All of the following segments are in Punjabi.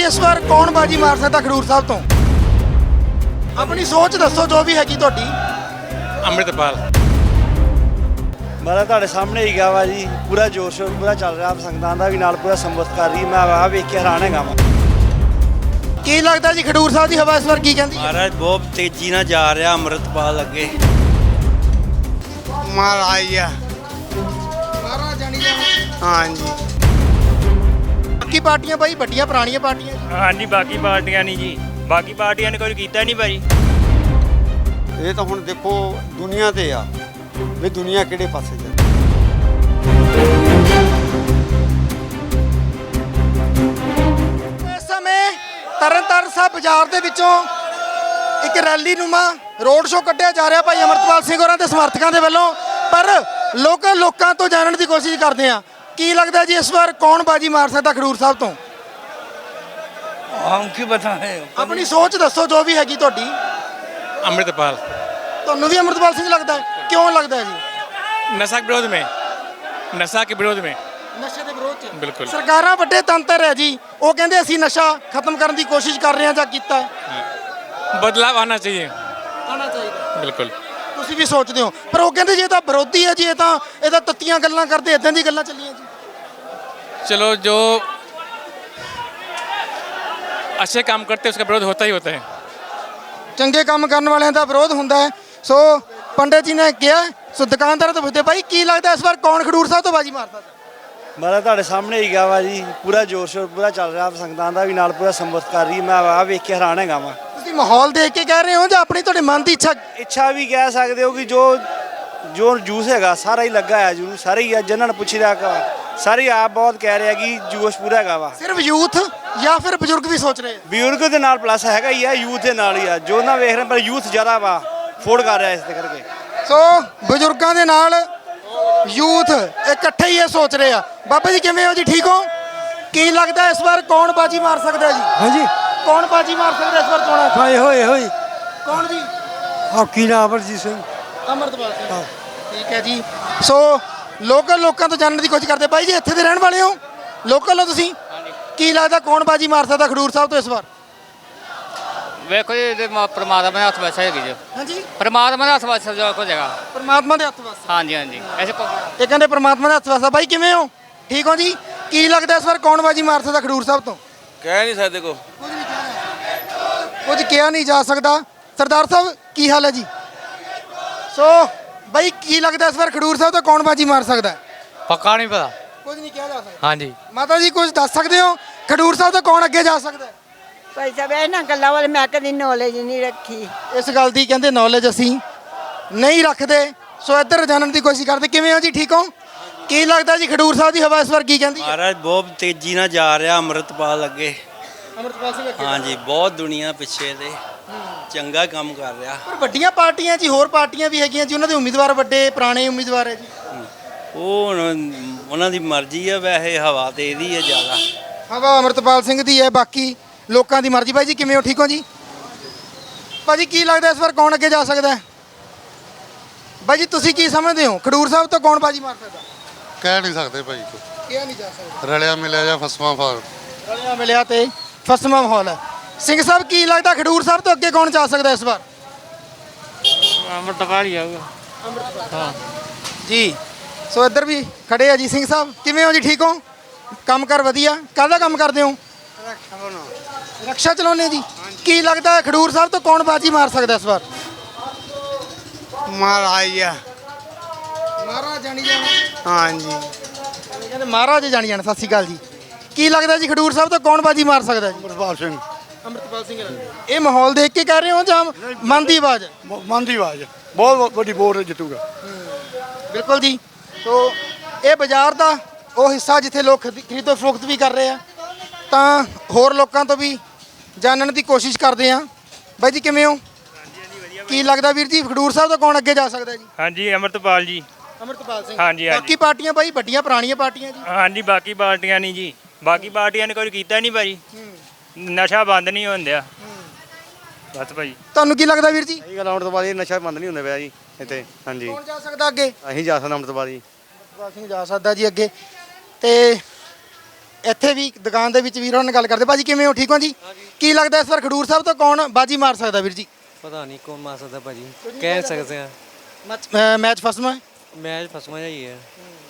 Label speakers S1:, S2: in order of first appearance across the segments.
S1: ਇਸ ਵਾਰ ਕੌਣ ਬਾਜੀ ਮਾਰ ਸਕਦਾ ਖਡੂਰ ਸਾਹਿਬ ਤੋਂ? ਆਪਣੀ ਸੋਚ ਦੱਸੋ ਜੋ ਵੀ ਹੈਗੀ ਤੁਹਾਡੀ।
S2: ਅੰਮ੍ਰਿਤਪਾਲ।
S3: ਮੈਂ ਤੁਹਾਡੇ ਸਾਹਮਣੇ ਹੀ ਗਿਆ ਵਾ ਜੀ, ਪੂਰਾ ਜੋਸ਼ ਪੂਰਾ ਚੱਲ ਰਿਹਾ, ਸੰਗਤਾਂ ਦਾ ਵੀ ਨਾਲ ਪੂਰਾ ਸੰਬੋਧਨ ਕਰ ਰਹੀ। ਮੈਂ ਆਹ ਵੇਖ ਕੇ ਹੈਰਾਨ ਹੈਗਾ ਵਾ।
S1: ਕੀ ਲੱਗਦਾ ਜੀ ਖਡੂਰ ਸਾਹਿਬ ਦੀ ਹਵਾ ਇਸ ਵਾਰ ਕੀ ਕਹਿੰਦੀ?
S3: ਮਹਾਰਾਜ ਬਹੁਤ ਤੇਜ਼ੀ ਨਾਲ ਜਾ ਰਿਹਾ ਅੰਮ੍ਰਿਤਪਾਲ ਅੱਗੇ।
S4: ਮਹਾਰਾਜ ਆ।
S1: ਮਹਾਰਾਜ ਜਾਣੀ ਜਾਣਾ।
S4: ਹਾਂਜੀ
S1: ਬਾਕੀ ਪਾਰਟੀਆਂ ਬਾਈ ਵੱਡੀਆਂ ਪੁਰਾਣੀਆਂ ਪਾਰਟੀਆਂ ਜੀ।
S5: ਹਾਂਜੀ ਬਾਕੀ ਪਾਰਟੀਆਂ ਨਹੀਂ ਜੀ, ਬਾਕੀ ਪਾਰਟੀਆਂ ਨੇ ਕੋਈ ਕੀਤਾ ਨਹੀਂ ਭਾਜੀ।
S4: ਇਹ ਤਾਂ ਹੁਣ ਦੇਖੋ ਦੁਨੀਆ ਤੇ ਆ ਵੀ ਦੁਨੀਆ ਕਿਹੜੇ ਪਾਸੇ ਜਾ।
S1: ਇਸ ਸਮੇਂ ਤਰਨਤਾਰਨ ਸਾਹਿਬ ਬਾਜ਼ਾਰ ਦੇ ਵਿੱਚੋਂ ਇੱਕ ਰੈਲੀ ਨੂੰਮਾ ਰੋਡ ਸ਼ੋਅ ਕੱਢਿਆ ਜਾ ਰਿਹਾ ਭਾਈ ਅਮਰਤਪਾਲ ਸਿੰਘ ਹੋਰਾਂ ਦੇ ਸਮਰਥਕਾਂ ਦੇ ਵੱਲੋਂ। ਪਰ ਲੋਕਾਂ ਤੋਂ ਜਾਣਨ ਦੀ ਕੋਸ਼ਿਸ਼ ਕਰਦੇ ਆ ਕੀ ਲੱਗਦਾ ਜੀ ਇਸ ਵਾਰ ਕੌਣ ਬਾਜੀ ਮਾਰ ਸਕਦਾ ਖਡੂਰ ਸਾਹਿਬ ਤੋਂ?
S3: ਹਮ ਕੀ ਬਤਾਏ।
S1: ਆਪਣੀ ਸੋਚ ਦੱਸੋ ਜੋ ਵੀ ਹੈਗੀ ਤੁਹਾਡੀ।
S2: ਅੰਮ੍ਰਿਤਪਾਲ।
S1: ਤੁਹਾਨੂੰ ਵੀ ਅਮਰਤਪਾਲ ਸਿੰਘ ਲੱਗਦਾ ਹੈ? ਕਿਉਂ ਲੱਗਦਾ ਹੈ ਜੀ?
S2: नशा के विरोध में, नशा के विरोध में।
S1: ਨਸ਼ੇ ਦੇ ਵਿਰੋਧ 'ਚ
S2: ਬਿਲਕੁਲ।
S1: ਸਰਕਾਰਾਂ ਵੱਡੇ ਤੰਤਰ ਹੈ ਜੀ, ਉਹ ਕਹਿੰਦੇ ਅਸੀਂ ਨਸ਼ਾ ਖਤਮ ਕਰਨ ਦੀ ਕੋਸ਼ਿਸ਼ ਕਰ ਰਹੇ ਹਾਂ ਜਾਂ ਕੀਤਾ
S2: बदलाव आना चाहिए।
S1: ਆਉਣਾ ਚਾਹੀਦਾ।
S2: बिल्कुल।
S1: ਤੁਸੀਂ ਵੀ ਸੋਚਦੇ ਹੋ, ਪਰ ਉਹ ਕਹਿੰਦੇ ਜੀ ਇਹ ਤਾਂ ਵਿਰੋਧੀ ਹੈ ਜੀ, ਇਹ ਤਾਂ ਤੱਤੀਆਂ ਗੱਲਾਂ ਕਰਦੇ, ਇਦਾਂ ਦੀ ਗੱਲਾਂ ਚੱਲੀਆਂ ਜੀ।
S2: चलो जो अच्छे काम करते हैं उसका विरोध होता ही होता है।
S1: ਚੰਗੇ ਕੰਮ ਕਰਨ ਵਾਲਿਆਂ ਦਾ ਵਿਰੋਧ ਹੁੰਦਾ ਹੈ। ਸੋ ਪੰਡਿਤ ਜੀ ਨੇ ਕਿਹਾ। ਸੋ ਦੁਕਾਨਦਾਰਾਂ ਤੋਂ ਪੁੱਛਦੇ ਭਾਈ ਕੀ ਲੱਗਦਾ ਇਸ ਵਾਰ ਕੌਣ ਖਡੂਰ ਸਾਹਿਬ ਤੋਂ ਬਾਜੀ ਮਾਰਦਾ?
S3: ਮੈਂ ਤੁਹਾਡੇ ਸਾਹਮਣੇ ਹੀ ਗਿਆ ਵਾ ਜੀ, ਪੂਰਾ ਜੋਸ਼ ਪੂਰਾ ਚੱਲ ਰਿਹਾ, ਸੰਗਤਾਂ ਦਾ ਵੀ ਨਾਲ ਪੂਰਾ ਸੰਬੋਧਨ ਕਰ ਰਹੀ। ਮੈਂ ਆਹ ਵੇਖ ਕੇ ਹੈਰਾਨ ਹੈਗਾ ਵਾ।
S1: ਤੁਸੀਂ ਮਾਹੌਲ ਦੇਖ ਕੇ ਕਹਿ ਰਹੇ ਹੋ ਜਾਂ ਆਪਣੀ ਤੁਹਾਡੇ ਮਨ ਦੀ
S3: ਇੱਛਾ ਵੀ ਕਹਿ ਸਕਦੇ ਹੋ ਕਿ ਜੋ ਜੂਸ ਹੈਗਾ ਸਾਰਾ ਹੀ ਲੱਗਾ ਹੈ, ਜੂਸ ਸਾਰੇ ਹੀ ਆ। ਜਿਨ੍ਹਾਂ ਨੂੰ ਪੁੱਛਿਆ ਸਾਰੇ ਆਪ ਬਹੁਤ ਕਹਿ ਰਹੇ ਆ ਕਿ ਜੋਸ਼ ਪੂਰਾ ਹੈਗਾ ਵਾ।
S1: ਸਿਰਫ ਯੂਥ ਜਾਂ ਫਿਰ ਬਜ਼ੁਰਗ ਵੀ ਸੋਚ ਰਹੇ ਆ?
S3: ਬਜ਼ੁਰਗ ਦੇ ਨਾਲ ਪਲੱਸ ਹੈਗਾ ਹੀ ਆ, ਯੂਥ ਦੇ ਨਾਲ ਹੀ ਆ। ਜੋ ਨਾ ਵੇਖ ਰਹੇ ਪਰ ਯੂਥ ਜ਼ਿਆਦਾ ਵਾ ਫੋੜ ਕਰ ਰਿਹਾ ਇਸ ਦੇ ਕਰਕੇ।
S1: ਸੋ ਬਜ਼ੁਰਗਾਂ ਦੇ ਨਾਲ ਯੂਥ ਇਕੱਠੇ ਹੀ ਇਹ ਸੋਚ ਰਹੇ ਆ। ਬਾਬਾ ਜੀ ਕਿਵੇਂ ਹੋ ਜੀ? ਠੀਕ ਹੋ? ਕੀ ਲੱਗਦਾ ਇਸ ਵਾਰ ਕੌਣ ਬਾਜੀ ਮਾਰ ਸਕਦਾ ਜੀ?
S6: ਹਾਂਜੀ
S1: ਕੌਣ ਬਾਜੀ ਮਾਰ ਸਕਦਾ ਇਸ ਵਾਰ ਚੋਣਾਂ 'ਚ?
S6: ਹਾਏ ਹੋਏ ਹੋਏ
S1: ਕੌਣ ਜੀ?
S6: ਹਾਕੀ ਨਾ ਅਮਰਜੀਤ ਸਿੰਘ।
S1: ਅਮਰਤਪਾਲ ਸਿੰਘ। ਠੀਕ ਹੈ ਜੀ। ਸੋ ਲੋਕਾਂ ਤੋਂ ਜਾਣਨ ਦੀ ਕੋਸ਼ਿਸ਼ ਕਰਦੇ। ਬਾਈ ਜੀ ਇੱਥੇ ਦੇ ਰਹਿਣ ਵਾਲੇ ਹੋ? ਲੋਕਲ ਹੋ ਤੁਸੀਂ? ਕੀ ਲੱਗਦਾ ਕੌਣ ਬਾਜੀ ਮਾਰ ਸਕਦਾ ਖਡੂਰ ਸਾਹਿਬ ਤੋਂ ਇਸ ਵਾਰ?
S7: ਵੇਖੋ ਜੀ ਇਹਦੇ ਪਰਮਾਤਮਾ ਦੇ ਹੱਥ ਵਿੱਚ ਹੈਗੀ ਜੀ।
S1: ਹਾਂਜੀ
S7: ਪਰਮਾਤਮਾ ਦੇ ਹੱਥ ਵਿੱਚ ਜੋ ਕੁਝ ਹੈਗਾ।
S1: ਪਰਮਾਤਮਾ ਦੇ ਹੱਥ ਵਸ।
S7: ਹਾਂਜੀ ਹਾਂਜੀ ਐਸੇ
S1: ਇਹ ਕਹਿੰਦੇ ਪਰਮਾਤਮਾ ਦੇ ਹੱਥ ਵਸ ਆ। ਬਾਈ ਕਿਵੇਂ ਹੋ? ਠੀਕ ਹੋ ਜੀ? ਕੀ ਲੱਗਦਾ ਇਸ ਵਾਰ ਕੌਣ ਬਾਜੀ ਮਾਰ ਸਕਦਾ ਖਡੂਰ ਸਾਹਿਬ ਤੋਂ?
S3: ਕਹਿ ਨਹੀਂ ਸਕਦੇ ਕੋ।
S1: ਕੁਝ ਕਿਹਾ ਨਹੀਂ ਜਾ ਸਕਦਾ। ਸਰਦਾਰ ਸਾਹਿਬ ਕੀ ਹਾਲ ਹੈ ਜੀ? ਸੋ ਬਾਈ ਕੀ ਲੱਗਦਾ ਇਸ ਵਾਰ ਖਡੂਰ ਸਾਹਿਬ ਤੋਂ ਕੌਣ ਬਾਜੀ ਮਾਰ ਸਕਦਾ?
S7: ਪੱਕਾ ਨਹੀਂ ਪਤਾ।
S1: ਕੁਝ ਨਹੀਂ ਕਿਹਾ ਜਾ ਸਕਦਾ।
S7: ਹਾਂਜੀ
S1: ਮਾਤਾ ਜੀ ਕੁਝ ਦੱਸ ਸਕਦੇ ਹੋ ਖਡੂਰ ਸਾਹਿਬ ਤੋਂ ਕੌਣ ਅੱਗੇ ਜਾ ਸਕਦਾ?
S8: ਭਾਈ ਸਾਹਿਬ ਇਹਨਾਂ ਗੱਲਾਂ ਵਾਲੇ ਮੈਂ ਕਦੀ ਨੌਲੇਜ ਨਹੀਂ ਰੱਖੀ।
S1: ਇਸ ਗੱਲ ਦੀ ਕਹਿੰਦੇ ਨੌਲੇਜ ਅਸੀਂ ਨਹੀਂ ਰੱਖਦੇ। ਸੋ ਇੱਧਰ ਜਾਣਨ ਦੀ ਕੋਸ਼ਿਸ਼ ਕਰਦੇ। ਕਿਵੇਂ ਹੋ ਜੀ? ਠੀਕ ਹੋ? ਕੀ ਲੱਗਦਾ ਜੀ ਖਡੂਰ ਸਾਹਿਬ ਦੀ ਹਵਾ ਇਸ ਵਾਰ ਕੀ ਕਹਿੰਦੀ ਹੈ?
S3: ਮਹਾਰਾਜ ਬਹੁਤ ਤੇਜ਼ੀ ਨਾਲ ਜਾ ਰਿਹਾ ਅੰਮ੍ਰਿਤਪਾਲ ਅੱਗੇ।
S1: ਅਮਰਤਪਾਲ ਸਿੰਘ ਅੱਗੇ।
S3: ਹਾਂਜੀ ਬਹੁਤ ਦੁਨੀਆ ਪਿੱਛੇ ਤੇ ਚੰਗਾ ਕੰਮ ਕਰ ਰਿਹਾ।
S1: ਪਰ ਵੱਡੀਆਂ ਪਾਰਟੀਆਂ ਜੀ, ਹੋਰ ਪਾਰਟੀਆਂ ਵੀ ਹੈਗੀਆਂ ਜੀ, ਉਹਨਾਂ ਦੇ ਉਮੀਦਵਾਰ ਵੱਡੇ ਪੁਰਾਣੇ ਉਮੀਦਵਾਰ ਹੈ ਜੀ।
S3: ਉਹ ਹੁਣ ਉਹਨਾਂ ਦੀ ਮਰਜ਼ੀ ਆ, ਵੈਸੇ ਹਵਾ ਤੇ ਇਹਦੀ ਹੈ ਜ਼ਿਆਦਾ।
S1: ਹਵਾ ਅਮਰਤਪਾਲ ਸਿੰਘ ਦੀ ਹੈ, ਬਾਕੀ ਲੋਕਾਂ ਦੀ ਮਰਜ਼ੀ। ਬਾਈ ਜੀ ਕਿਵੇਂ ਹੋ? ਠੀਕ ਹੋ ਜੀ? ਭਾਜੀ ਕੀ ਲੱਗਦਾ ਇਸ ਵਾਰ ਕੌਣ ਅੱਗੇ ਜਾ ਸਕਦਾ ਹੈ? ਬਾਈ ਜੀ ਤੁਸੀਂ ਕੀ ਸਮਝਦੇ ਹੋ ਖਡੂਰ ਸਾਹਿਬ ਤੋਂ ਕੌਣ ਬਾਜੀ ਮਾਰ ਸਕਦਾ?
S9: ਕਹਿ ਨਹੀਂ ਸਕਦੇ ਭਾਈ ਕੋ।
S1: ਕਿਹਾ ਨਹੀਂ ਜਾ ਸਕਦਾ।
S9: ਰਲਿਆ ਮਿਲਿਆ ਜਾਂ ਫਸਵਾ ਫਾਰ।
S1: ਰਲਿਆ ਮਿਲਿਆ ਤੇ ਫਸਵਾਂ ਮਾਹੌਲ ਹੈ। ਸਿੰਘ ਸਾਹਿਬ ਕੀ ਲੱਗਦਾ ਖਡੂਰ ਸਾਹਿਬ ਤੋਂ ਅੱਗੇ ਕੌਣ ਜਾ ਸਕਦਾ ਇਸ ਵਾਰ?
S7: ਅਮਰਤਪਾਲ ਹੀ ਆਊਗਾ।
S1: ਹਾਂ ਜੀ। ਸੋ ਇੱਧਰ ਵੀ ਖੜੇ ਆ ਜੀ। ਸਿੰਘ ਸਾਹਿਬ ਕਿਵੇਂ ਹੋ ਜੀ? ਠੀਕ ਹੋ? ਕੰਮ ਕਰ ਵਧੀਆ? ਕਾਹਦਾ ਕੰਮ ਕਰਦੇ ਹੋ? ਰਕਸ਼ਾ ਚਲਾਉਂਦੇ ਜੀ। ਕੀ ਲੱਗਦਾ ਖਡੂਰ ਸਾਹਿਬ ਤੋਂ ਕੌਣ ਬਾਜੀ ਮਾਰ ਸਕਦਾ ਇਸ ਵਾਰ?
S4: ਮਹਾਰਾਜ ਆ।
S1: ਮਹਾਰਾਜ ਜਾਣੀ ਜਾਣਾ।
S4: ਹਾਂਜੀ
S1: ਕਹਿੰਦੇ ਮਹਾਰਾਜ ਜਾਣੀ ਜਾਣਾ। ਸਤਿ ਸ਼੍ਰੀ ਅਕਾਲ ਜੀ। ਕੀ ਲੱਗਦਾ ਜੀ ਖਡੂਰ ਸਾਹਿਬ ਤੋਂ ਕੌਣ ਬਾਜੀ ਮਾਰ ਸਕਦਾ ਜੀ?
S9: ਅਮਰਪਾਲ ਸਿੰਘ।
S1: ਅਮਰਤਪਾਲ ਸਿੰਘ। ਇਹ ਮਾਹੌਲ ਦੇਖ ਕੇ ਕਹਿ ਰਹੇ ਹੋ ਜਾਂ ਮਨ ਦੀ ਆਵਾਜ਼?
S9: ਮਨ ਦੀ ਆਵਾਜ਼ ਬਹੁਤ ਵੱਡੀ ਵੋਟ ਜਿੱਤੂਗਾ।
S1: ਬਿਲਕੁਲ ਜੀ। ਸੋ ਇਹ ਬਾਜ਼ਾਰ ਦਾ ਉਹ ਹਿੱਸਾ ਜਿੱਥੇ ਲੋਕ ਖਰੀਦੋ ਫਰੋਖਤ ਵੀ ਕਰ ਰਹੇ ਆ, ਤਾਂ ਹੋਰ ਲੋਕਾਂ ਤੋਂ ਵੀ ਜਾਣਨ ਦੀ ਕੋਸ਼ਿਸ਼ ਕਰਦੇ ਆ। ਬਾਈ ਜੀ ਕਿਵੇਂ ਹੋ? ਕੀ ਲੱਗਦਾ ਵੀਰ ਜੀ ਖਡੂਰ ਸਾਹਿਬ ਤੋਂ ਕੌਣ ਅੱਗੇ ਜਾ ਸਕਦਾ ਜੀ?
S5: ਹਾਂਜੀ ਅਮਰਤਪਾਲ ਜੀ।
S1: ਅਮਰਤਪਾਲ ਸਿੰਘ।
S5: ਹਾਂਜੀ ਹਾਂਜੀ
S1: ਬਾਕੀ ਪਾਰਟੀਆਂ ਬਾਈ ਵੱਡੀਆਂ ਪੁਰਾਣੀਆਂ ਪਾਰਟੀਆਂ ਜੀ।
S5: ਹਾਂਜੀ ਬਾਕੀ ਪਾਰਟੀਆਂ ਨਹੀਂ ਜੀ, ਬਾਕੀ ਪਾਰਟੀਆਂ ਨੇ ਕੋਈ ਕੀਤਾ ਨਹੀਂ ਭਾਜੀ। ਨਸ਼ਾ ਬੰਦ ਨਹੀਂ ਹੁੰਦਿਆ ਬਸ ਭਾਜੀ।
S1: ਤੁਹਾਨੂੰ ਕੀ ਲੱਗਦਾ ਵੀਰ ਜੀ?
S3: ਸਹੀ ਗੱਲ। ਆਉਣ ਤੋਂ ਬਾਅਦ ਇਹ ਨਸ਼ਾ ਬੰਦ ਨਹੀਂ ਹੁੰਦਾ ਪਿਆ ਜੀ ਇੱਥੇ। ਹਾਂਜੀ
S1: ਕੌਣ ਜਾ ਸਕਦਾ ਅੱਗੇ?
S3: ਅਸੀਂ ਜਾ ਸਕਦੇ ਅੰਮ੍ਰਿਤਪਾਲ ਜੀ।
S1: ਅਮਰਤਪਾਲ ਸਿੰਘ ਜਾ ਸਕਦਾ ਜੀ ਅੱਗੇ। ਤੇ ਇੱਥੇ ਵੀ ਦੁਕਾਨ ਦੇ ਵਿੱਚ ਵੀਰਾਂ ਨਾਲ ਗੱਲ ਕਰਦੇ। ਭਾਜੀ ਕਿਵੇਂ ਹੋ? ਠੀਕ ਹੋ ਜੀ? ਕੀ ਲੱਗਦਾ ਇਸ ਵਾਰ ਖਡੂਰ ਸਾਹਿਬ ਤੋਂ ਕੌਣ ਬਾਜੀ ਮਾਰ ਸਕਦਾ ਵੀਰ ਜੀ?
S6: ਪਤਾ ਨਹੀਂ ਕੌਣ ਮਾਰ ਸਕਦਾ ਭਾਜੀ, ਕਹਿ ਸਕਦੇ ਆ।
S1: ਮੈਚ ਫਸਮਾ ਹੈ
S6: ਮੈਚ ਫਸਵਾ ਜਾਈ ਹੈ।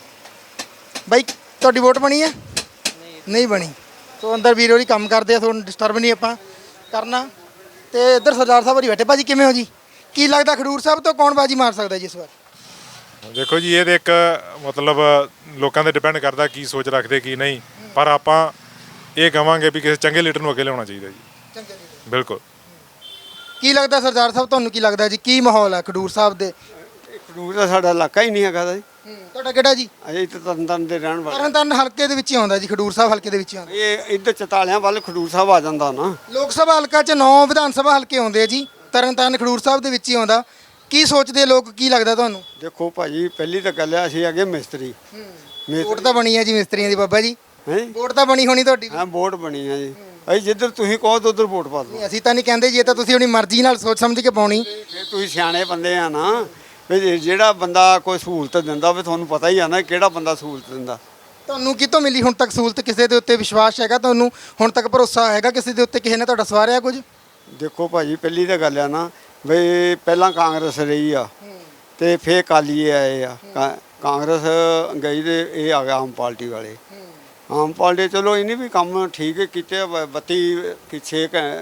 S1: ਬਾਈ ਤੁਹਾਡੀ ਵੋਟ ਬਣੀ ਹੈ? ਨਹੀਂ ਬਣੀ। ਸੋ ਅੰਦਰ ਵੀਰ ਹੋਰੀ ਕੰਮ ਕਰਦੇ ਆ, ਤੁਹਾਨੂੰ ਡਿਸਟਰਬ ਨਹੀਂ ਆਪਾਂ ਕਰਨਾ। ਤੇ ਇੱਧਰ ਸਰਦਾਰ ਸਾਹਿਬ ਹੋਰੀ ਬੈਠੇ। ਭਾਜੀ ਕਿਵੇਂ ਹੋ ਜੀ? ਕੀ ਲੱਗਦਾ ਖਡੂਰ ਸਾਹਿਬ ਤੋਂ ਕੌਣ ਬਾਜੀ ਮਾਰ ਸਕਦਾ ਜੀ ਇਸ ਵਾਰ?
S10: ਦੇਖੋ ਜੀ, ਇਹ ਤੇ ਇੱਕ ਮਤਲਬ ਲੋਕਾਂ ਤੇ ਡਿਪੈਂਡ ਕਰਦਾ ਕੀ ਸੋਚ ਰੱਖਦੇ ਕੀ ਨਹੀਂ, ਪਰ ਆਪਾਂ ਇਹ ਕਹਾਂਗੇ ਵੀ ਕਿਸੇ ਚੰਗੇ ਲੀਡਰ ਨੂੰ ਅੱਗੇ ਲਿਆਉਣਾ ਚਾਹੀਦਾ ਜੀ। ਬਿਲਕੁਲ।
S1: ਕੀ ਲੱਗਦਾ ਸਰਦਾਰ ਸਾਹਿਬ, ਤੁਹਾਨੂੰ ਕੀ ਲੱਗਦਾ ਜੀ, ਕੀ ਮਾਹੌਲ ਹੈ ਖਡੂਰ ਸਾਹਿਬ ਦੇ?
S4: ਖਡੂਰ ਦਾ ਸਾਡਾ ਇਲਾਕਾ ਹੀ ਨਹੀਂ ਹੈਗਾ ਜੀ।
S1: ਤੁਹਾਡਾ ਕਿਹੜਾ ਜੀ?
S4: ਅਜੇ ਇੱਥੇ ਤਰਨਤਾਰਨ ਦੇ ਰਹਿਣ ਵਾਲੇ।
S1: ਤਰਨਤਾਰਨ ਹਲਕੇ ਦੇ ਵਿੱਚ ਹੀ ਆਉਂਦਾ ਜੀ, ਖਡੂਰ ਸਾਹਿਬ ਹਲਕੇ ਦੇ ਵਿੱਚ ਹੀ ਆਉਂਦਾ।
S4: ਇਹ ਇੱਧਰ ਚਤਾਲਿਆਂ ਵੱਲ ਖਡੂਰ ਸਾਹਿਬ ਆ ਜਾਂਦਾ ਨਾ।
S1: ਲੋਕ ਸਭਾ ਹਲਕਾ 'ਚ 9 ਵਿਧਾਨ ਸਭਾ ਹਲਕੇ ਆਉਂਦੇ ਆ ਜੀ, ਤਰਨਤਾਰਨ ਖਡੂਰ ਸਾਹਿਬ ਦੇ ਵਿੱਚ ਹੀ ਆਉਂਦਾ। ਕੀ ਸੋਚਦੇ ਲੋਕ, ਕੀ ਲੱਗਦਾ ਤੁਹਾਨੂੰ?
S4: ਦੇਖੋ ਭਾਜੀ, ਪਹਿਲੀ ਤਾਂ ਗੱਲ ਹੈ ਅਸੀਂ ਹੈਗੇ ਮਿਸਤਰੀ।
S1: ਵੋਟ ਤਾਂ ਬਣੀ ਹੈ ਜੀ ਮਿਸਤਰੀਆਂ ਦੀ ਬਾਬਾ ਜੀ,
S4: ਹੈ
S1: ਵੋਟ ਤਾਂ ਬਣੀ ਹੋਣੀ ਤੁਹਾਡੀ ਵੀ।
S4: ਹਾਂ, ਵੋਟ ਬਣੀ ਹੈ ਜੀ। ਅਸੀਂ ਜਿੱਧਰ ਤੁਸੀਂ ਕਹੋ ਤਾਂ ਉੱਧਰ ਵੋਟ ਪਾ ਦਿਓ।
S1: ਅਸੀਂ ਤਾਂ ਨਹੀਂ ਕਹਿੰਦੇ ਜੀ, ਇਹ ਤਾਂ ਤੁਸੀਂ ਆਪਣੀ ਮਰਜ਼ੀ ਨਾਲ ਸੋਚ ਸਮਝ ਕੇ ਪਾਉਣੀ।
S4: ਫਿਰ ਤੁਸੀਂ ਸਿਆਣੇ ਬੰਦੇ ਆ ਨਾ, ਵੀ ਜਿਹੜਾ ਬੰਦਾ ਕੋਈ ਸਹੂਲਤ ਦਿੰਦਾ ਵੀ ਤੁਹਾਨੂੰ ਪਤਾ ਹੀ ਆ ਨਾ ਕਿਹੜਾ ਬੰਦਾ ਸਹੂਲਤ ਦਿੰਦਾ।
S1: ਤੁਹਾਨੂੰ ਕਿਤੋਂ ਮਿਲੀ ਹੁਣ ਤੱਕ ਸਹੂਲਤ? ਕਿਸੇ ਦੇ ਉੱਤੇ ਵਿਸ਼ਵਾਸ ਹੈਗਾ ਤੁਹਾਨੂੰ? ਹੁਣ ਤੱਕ ਭਰੋਸਾ ਹੈਗਾ ਕਿਸੇ ਦੇ ਉੱਤੇ? ਕਿਸੇ ਨੇ ਤੁਹਾਡਾ ਸਵਾਰਿਆ ਕੁਝ?
S4: ਦੇਖੋ ਭਾਜੀ, ਪਹਿਲੀ ਤਾਂ ਗੱਲ ਆ ਨਾ ਵੀ ਪਹਿਲਾਂ ਕਾਂਗਰਸ ਰਹੀ ਆ ਤੇ ਫੇਰ ਅਕਾਲੀ ਆਏ ਆ। ਕਾਂਗਰਸ ਗਈ ਤੇ ਇਹ ਆ ਗਿਆ ਆਮ ਪਾਰਟੀ ਵਾਲੇ। ਆਮ ਪਾਰਟੀ ਚਲੋ ਇਹਨੇ ਵੀ ਕੰਮ ਠੀਕ ਕੀਤੇ। 32 ਪਿੱਛੇ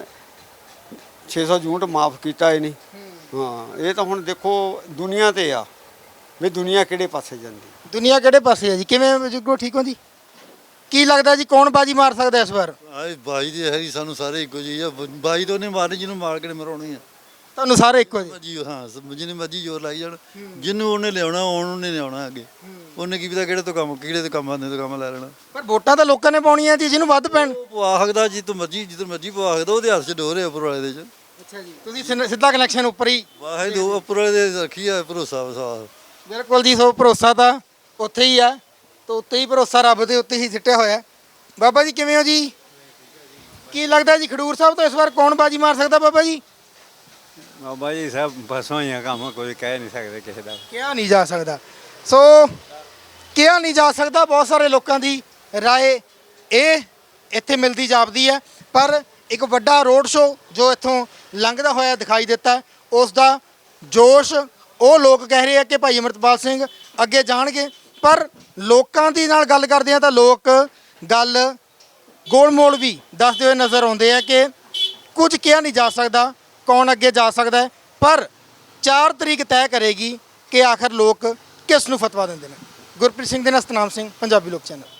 S4: 600 ਯੂਨਿਟ ਮਾਫ ਕੀਤਾ ਇਹਨੇ। ਹਾਂ, ਇਹ ਤਾਂ ਹੁਣ ਦੇਖੋ ਦੁਨੀਆ ਤੇ ਆ ਵੀ ਦੁਨੀਆ ਕਿਹੜੇ ਪਾਸੇ ਜਾਂਦੀ।
S1: ਦੁਨੀਆ ਕਿਹੜੇ ਪਾਸੇ ਹੈ ਜੀ? ਕਿਵੇਂ ਬਜ਼ੁਰਗੋ, ਠੀਕ ਹੋ ਜੀ? ਕੀ ਲੱਗਦਾ ਜੀ ਕੌਣ ਬਾਜੀ ਮਾਰ ਸਕਦਾ ਇਸ ਵਾਰ?
S9: ਆਏ ਬਾਈ ਦੀ ਹੈਰੀ ਸਾਨੂੰ ਸਾਰੇ ਇੱਕੋ ਜਿਹੀ ਆ। ਬਾਈ ਤੋਂ ਨਹੀਂ ਮਾਰਨੀ, ਜਿਹਨੂੰ ਮਾਰ ਕੇ ਮਰਾਉਣੀ ਆ।
S1: ਤੁਹਾਨੂੰ ਸਾਰੇ ਇੱਕੋ ਜੀ?
S9: ਜੀ ਹਾਂ, ਜਿਹਨੇ ਮਰਜੀ ਜ਼ੋਰ ਲਾਈ ਜਾਣ, ਜਿਹਨੂੰ ਉਹਨੇ ਲਿਆਉਣਾ ਉਹਨੇ ਲਿਆਉਣਾ ਅੱਗੇ। ਉਹਨੇ ਕੀ ਪਤਾ ਕਿਹੜੇ ਤੋਂ ਕੰਮ, ਕਿਹੜੇ ਤੋਂ ਕੰਮ ਆਉਂਦੇ ਤੋਂ ਕੰਮ ਲੈ ਲੈਣਾ।
S1: ਪਰ ਵੋਟਾਂ ਤਾਂ ਲੋਕਾਂ ਨੇ ਪਾਉਣੀਆਂ ਜੀ, ਜਿਹਨੂੰ ਵੱਧ ਪੈਣ।
S9: ਉਹ ਪਵਾ ਸਕਦਾ ਜਿੱਦੋਂ ਮਰਜੀ, ਜਿੱਦੋਂ ਮਰਜੀ ਪਵਾ ਸਕਦਾ। ਉਹਦੇ ਹੱਥ 'ਚ ਡੋਰ ਹੈ ਉੱਪਰ ਵਾਲੇ ਦੇ 'ਚ।
S1: ਅੱਛਾ ਜੀ, ਤੁਸੀਂ ਸਿੱਧਾ ਕਨੈਕਸ਼ਨ ਉੱਪਰ ਹੀ?
S9: ਵਾਹੇ ਦੋ ਉੱਪਰ ਵਾਲੇ ਦੇ ਰੱਖੀ ਆ ਭਰੋਸਾ ਵਸਾ।
S1: ਬਿਲਕੁਲ ਜੀ। ਸੋ ਭਰੋਸਾ ਤਾਂ ਉੱਥੇ ਹੀ ਆ, ਤਾਂ ਉੱਤੇ ਹੀ ਭਰੋਸਾ ਰੱਬ ਦੇ ਉੱਤੇ ਹੀ ਸਿੱਟਿਆ ਹੋਇਆ। ਬਾਬਾ ਜੀ ਕਿਵੇਂ ਹੋ ਜੀ? ਕੀ ਲੱਗਦਾ ਜੀ ਖਡੂਰ ਸਾਹਿਬ ਤੋਂ ਇਸ ਵਾਰ ਕੌਣ ਬਾਜੀ ਮਾਰ ਸਕਦਾ ਬਾਬਾ ਜੀ?
S6: ਬਾਬਾ ਜੀ ਸਭ ਫਸਵਾ ਹੀ ਆ, ਕੰਮ ਕੋਈ ਕਹਿ ਨਹੀਂ ਸਕਦੇ ਕਿਸੇ ਦਾ।
S1: ਕਿਹਾ ਨਹੀਂ ਜਾ ਸਕਦਾ। ਸੋ ਕਿਹਾ ਨਹੀਂ ਜਾ ਸਕਦਾ, ਬਹੁਤ ਸਾਰੇ ਲੋਕਾਂ ਦੀ ਰਾਏ ਇਹ ਇੱਥੇ ਮਿਲਦੀ ਜਾਪਦੀ ਹੈ। ਪਰ ਇੱਕ ਵੱਡਾ ਰੋਡ ਸ਼ੋਅ ਜੋ ਇੱਥੋਂ ਲੰਘਦਾ ਹੋਇਆ ਦਿਖਾਈ ਦਿੱਤਾ, ਉਸ ਦਾ ਜੋਸ਼ ਉਹ ਲੋਕ ਕਹਿ ਰਹੇ ਆ ਕਿ ਭਾਈ ਅਮਰਤਪਾਲ ਸਿੰਘ ਅੱਗੇ ਜਾਣਗੇ। ਪਰ ਲੋਕਾਂ ਦੀ ਨਾਲ ਗੱਲ ਕਰਦੇ ਆ ਤਾਂ ਲੋਕ ਗੱਲ ਗੋਲ-ਮੋਲ ਵੀ ਦੱਸਦੇ ਹੋਏ ਨਜ਼ਰ ਆਉਂਦੇ ਆ ਕਿ ਕੁਝ ਕਿਹਾ ਨਹੀਂ ਜਾ ਸਕਦਾ ਕੌਣ ਅੱਗੇ ਜਾ ਸਕਦਾ ਹੈ, ਪਰ 4 ਤਰੀਕ ਤੈਅ ਕਰੇਗੀ ਕਿ ਆਖਰ ਲੋਕ ਕਿਸ ਨੂੰ ਫਤਵਾ ਦਿੰਦੇ ਨੇ। ਗੁਰਪ੍ਰੀਤ ਸਿੰਘ ਦੇ ਨਾਲ ਸਤਨਾਮ ਸਿੰਘ, ਪੰਜਾਬੀ ਲੋਕ ਚੈਨਲ।